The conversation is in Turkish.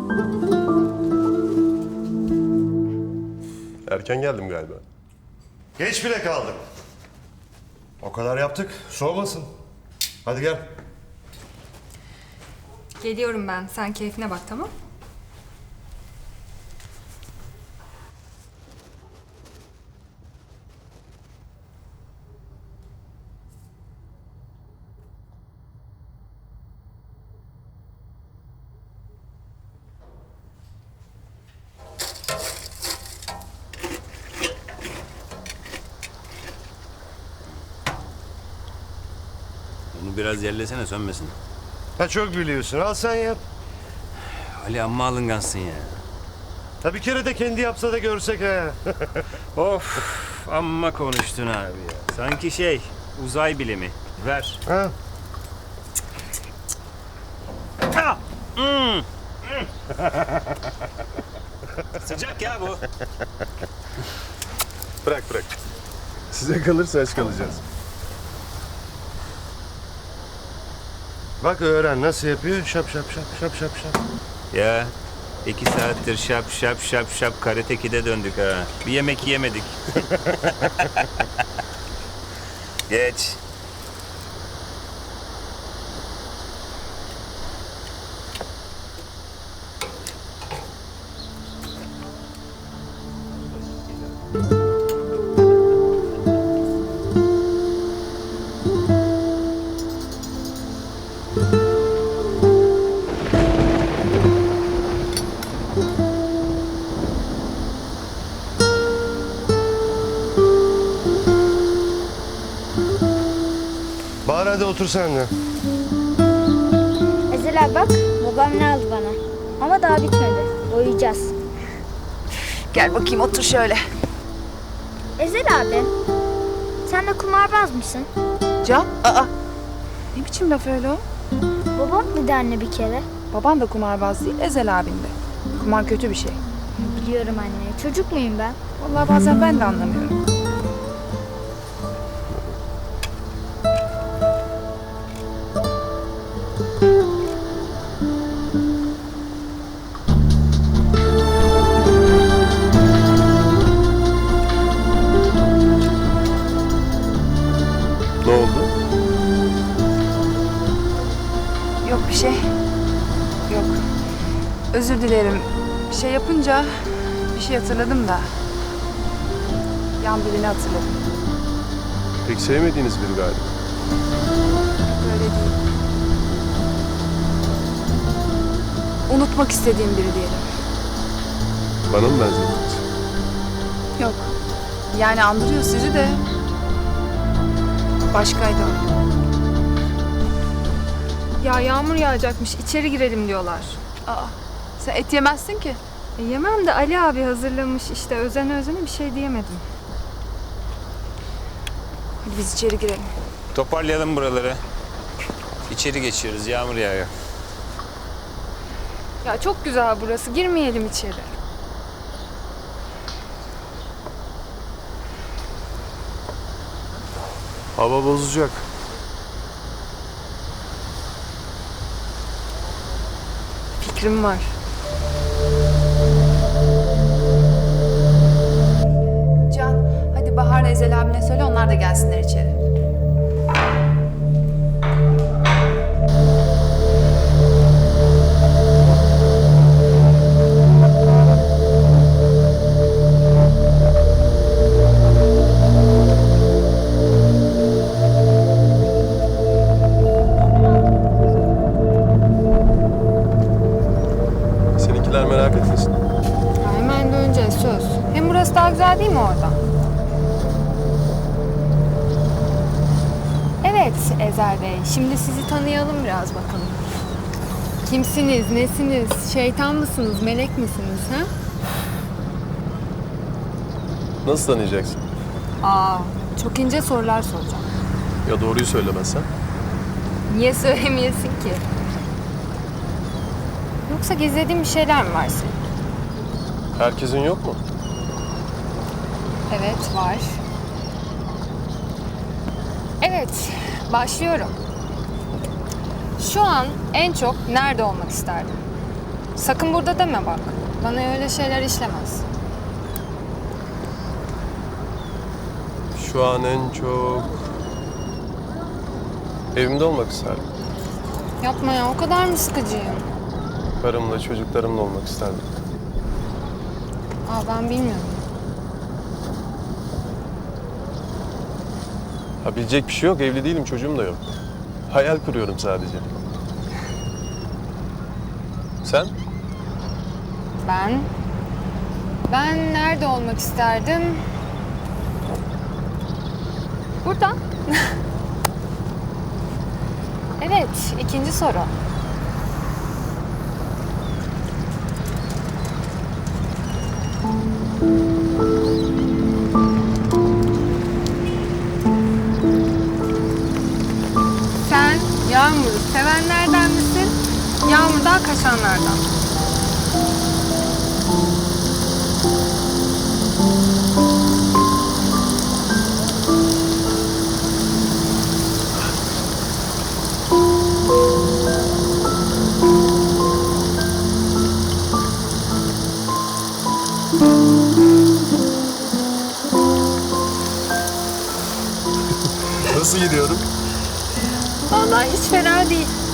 Erken geldim galiba. Geç bile kaldım. O kadar yaptık, soğumasın. Hadi gel. Geliyorum ben. Sen keyfine bak, tamam? Bunu biraz yerlesene sönmesin. Ha çok biliyorsun, al sen yap. Ali amma alıngansın ya. Ha bir kere de kendi yapsa da görsek ha. Of amma konuştun abi ya. Sanki uzay bilimi. Ver. Ha? Sıcak ya bu. Bırak bırak. Size kalırsa aç kalacağız. Bak öğren nasıl yapıyor. Şap şap şap şap şap şap. Ya 2 saattir şap şap şap şap Karate Kid'e döndük ha. Bir yemek yemedik. Geç. Bahar hadi otur sen de. Ezel abi bak, babam ne aldı bana. Ama daha bitmedi. Boyayacağız. Gel bakayım otur şöyle. Ezel abi, sen de kumarbaz mısın? Can, aa. Ne biçim laf öyle o? Babam dedi anne bir kere. Baban da kumarbaz değil, Ezel abin de. Kumar kötü bir şey. Biliyorum anne, çocuk muyum ben? Vallahi bazen ben de anlamıyorum. Ne oldu? Yok bir şey. Yok. Özür dilerim. Bir şey yapınca bir şey hatırladım da. Yan birini hatırladım. Pek sevmediğiniz biri galiba. Böyle değil. Unutmak istediğim biri diyelim. Bana mı benzettiniz? Yok. Yani andırıyor sizi de. Başkaydı o. Ya yağmur yağacakmış. İçeri girelim diyorlar. Aa, sen et yemezsin ki. Yemem de Ali abi hazırlamış işte. Özene özene bir şey diyemedim. Hadi biz içeri girelim. Toparlayalım buraları. İçeri geçiyoruz. Yağmur yağıyor. Ya çok güzel burası. Girmeyelim içeri. Hava bozacak. Fikrim var. Can, hadi Bahar'la Ezel abine söyle onlar da gelsinler içeri. Seninkiler merak etmesin. Ya hemen döneceğiz söz. Hem burası daha güzel değil mi orada? Evet Ezel Bey. Şimdi sizi tanıyalım biraz bakalım. Kimsiniz, nesiniz, şeytan mısınız, melek misiniz ha? Nasıl tanıyacaksın? Aa, çok ince sorular soracağım. Ya doğruyu söylemezsen? Niye söylemeyesin ki? Yoksa gizlediğin bir şeyler mi var senin? Herkesin yok mu? Evet, var. Evet, başlıyorum. Şu an en çok nerede olmak isterdin? Sakın burada deme bak. Bana öyle şeyler işlemez. Şu an en çok evimde olmak isterdim. Yapma ya, o kadar mı sıkıcıyım? Karımla, çocuklarımla olmak isterdim. Aa, ben bilmiyorum. Ha, bilecek bir şey yok. Evli değilim, çocuğum da yok. Hayal kuruyorum sadece. Sen? Ben nerede olmak isterdim? Burada. Evet, ikinci soru. Sen Yağmur'u sevenlerden misin? Yağmur'dan kaçanlardan mı? Nasıl gidiyorum? Vallahi hiç fena değil.